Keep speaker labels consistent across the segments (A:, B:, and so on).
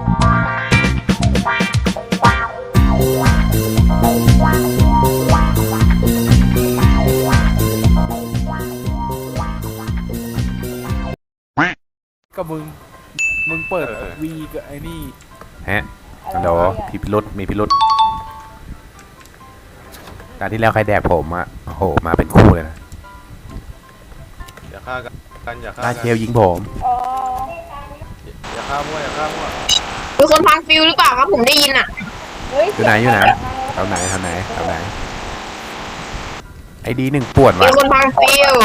A: ก็มึงเปิดวีกับไอ้นี่
B: ฮะเดี๋ยวมีพิรุษตอนที่แล้วใครแดกผมอ่ะโอ้โหมาเป็นคู่เลยนะ
C: อย่าฆ่ากันอย่าฆ่า
B: ลา
C: กัน
B: เชลยิงผม
C: อย่าฆ่ามั่ว
D: มีคนพังฟิวหรือเปล่าครับผมได้ยินอ่ะ
B: อยู่ไหนแถวไหนไอดีหนึ่งปวด
D: มี
B: ว่ะ
D: คนพังฟิว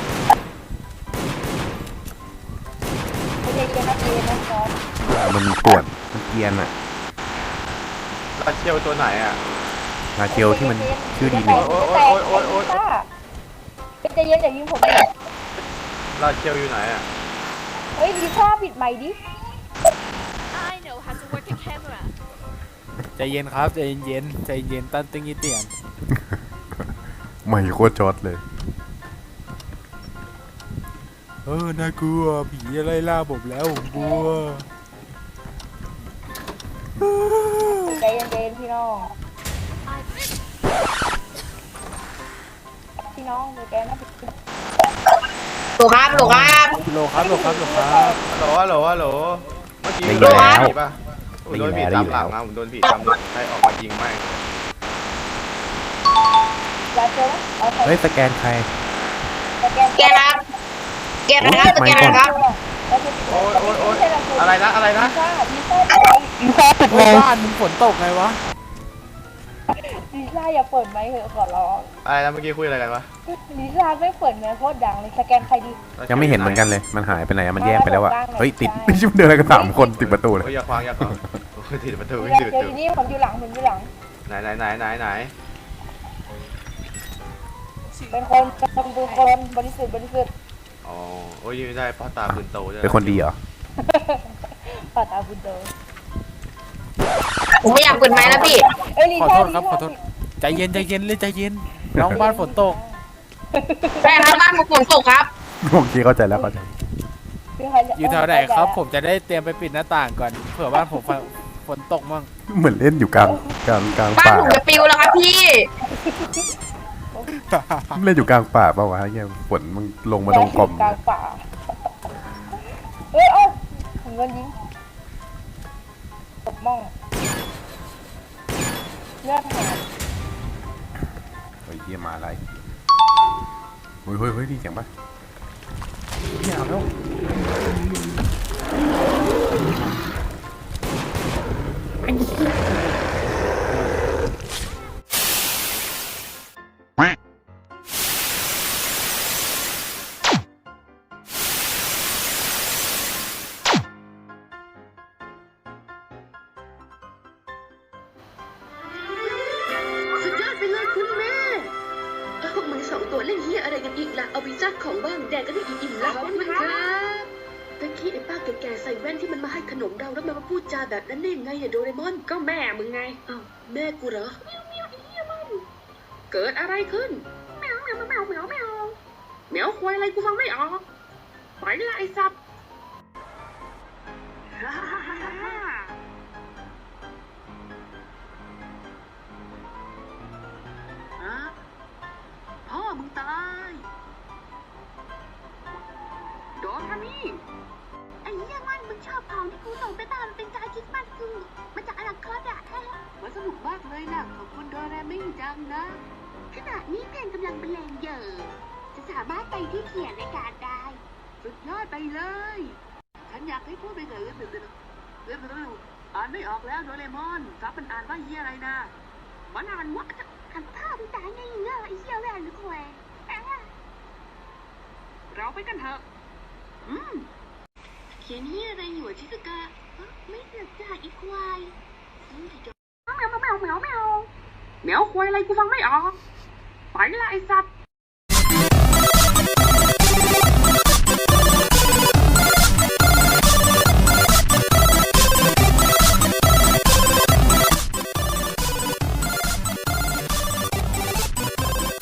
B: มันปวดมันเกียนอ่ะ
C: ลาเชียวตัวไหนอ่ะ
B: ลาเชลที่มันชื่อดีหนึ่ง
C: โอ๊ย
E: ใจเย็นอย่ายิงผมเลย
C: ลาเชียวอยู่ไหนอ่ะ
E: เฮ้ยดีซ่าปิดไมค์ดิ
F: I know how to work a camera.
A: ใจเย็นครับใจเย็นตั้นตึงยี่เตียน
B: ไม่โคตรจอดเลย
A: น่ากลัวผีอะไรล่าผมแล้วผมกลัว
E: ใจเย็นพี่น้องดูแกนะ
D: โหลครับ
A: โลครับ
C: ฮัลโหลเมื่อกี้
B: ได้ยิ
C: โด
B: น
C: น
B: แล้ว
C: ผีป่ะผมโดนผีตามหลังนะผมโดนผีตามหลังใครออกมายิงไม่
E: ยาเจอไหม
B: เฮ้ยสแกนใคร
D: แกนะครับแกนะครับ
C: โอ๊ยอะไรนะ
E: ดีซ่า
A: ปิดบ้านมึงฝนตกไงวะ
E: ดีซ่าอย่าเปิดไมค์เถอะขอร้อง
C: อะไรนะเมื่อกี้คุยอะไรกันวะ
E: ดีซ่าไม่เปิดไมค์โคตรดังเลยสแกนใครดี
B: ยังไม่เห็นเหมือนกันเลยมันหายไปไหนมันแยกไปแล้วอ่ะเฮ้ยติดไม่ใช่เดินอะไรกัน3 คนติดประตูเลย
C: อย่าขวางติดประตู
E: เจอที่นี่ผมอยู่หลัง
C: ไหน
E: เป็นคนบริสุทธิ์
C: อ๋อโอ้ยไม่ได้พ่อตาปืนโตใช่ไหม
B: เป็นคนดีเหรอ
E: ปาตาบุญโด
D: ผมไม่อยากเปิดไม้แล้วพี่
A: ขอโทษครับขอโทษใจเย็นน้องบ้านฝนตก
D: ใช่ครับบ้านผมฝนตกครับ
B: โอเคเข้าใจแล้ว
A: อยู่แถวไหนครับผมจะได้เตรียมไปปิดหน้าต่างก่อนเผื่อบ้านผมฝนตกมั่ง
B: เหมือนเล่นอยู่กลาง
D: บ้าน
B: ป่า
D: ผมจะปิวแล้วครับพี่
B: เล่นอยู่กลางป่าเปล่าวะเนี่ยฝนมันลงมาตรงกล่อม
E: กลางป่าเฮ้ยเงินยิงตบม่องเลือดหาย
B: เฮ้ยเยี่ยมาอะไรเฮ้ยดีเสียงปะเนี่ยเอาแล้ว
G: สุดยอดไปเลยคุณแม่พวกมึง2 ตัวเล่นเฮียอะไรกันอีกล่ะ เอาไปซัดของบ้างแดกกันให้อิ่มๆละขอบคุณครับตะกี้ไอ้ป้าแก่ๆใส่แว่นที่มันมาให้ขนมเราแล้วมันมาพูดจาแบบนั้นได้ยังไงเนี่ยโดเรมอนก็แม่มึงไงอ้าวแม่กูเหรอเมียวไอ้เฮียมันเกิดอะไรขึ้นแมวควายอะไรกูฟังไม่ออกไปละไอ้สัตว์พ่อมึงตายโดนทานี่ไอ้เหี้ยมันมึงชอบของที่กูส่งไปตามเป็นการคิดมันกูมาจากอนาคตอะมันสนุกมากเลยนะขอบคุณโดเรมิจังนะขณะนี้เพลงกำลังบรรเลงอยู่จะสามารถไปที่เขียนในการได้สุดยอดไปเลยฉันอยากให้พูดไปเลยอ่านไม่ออกแล้วโดเรมอนซับมันอ่านว่าเหี้ยอะไรนะมันอ่านว่าหันภาพตายไงเงาไอ้เหี้ยแหวนหรือแควเราไปกันเถอะเขียนเหี้ยอะไรอยู่ชิสกาไม่เกิดจากอีควายแมวควายอะไรกูฟังไม่ออกไปละไอ้สัตว์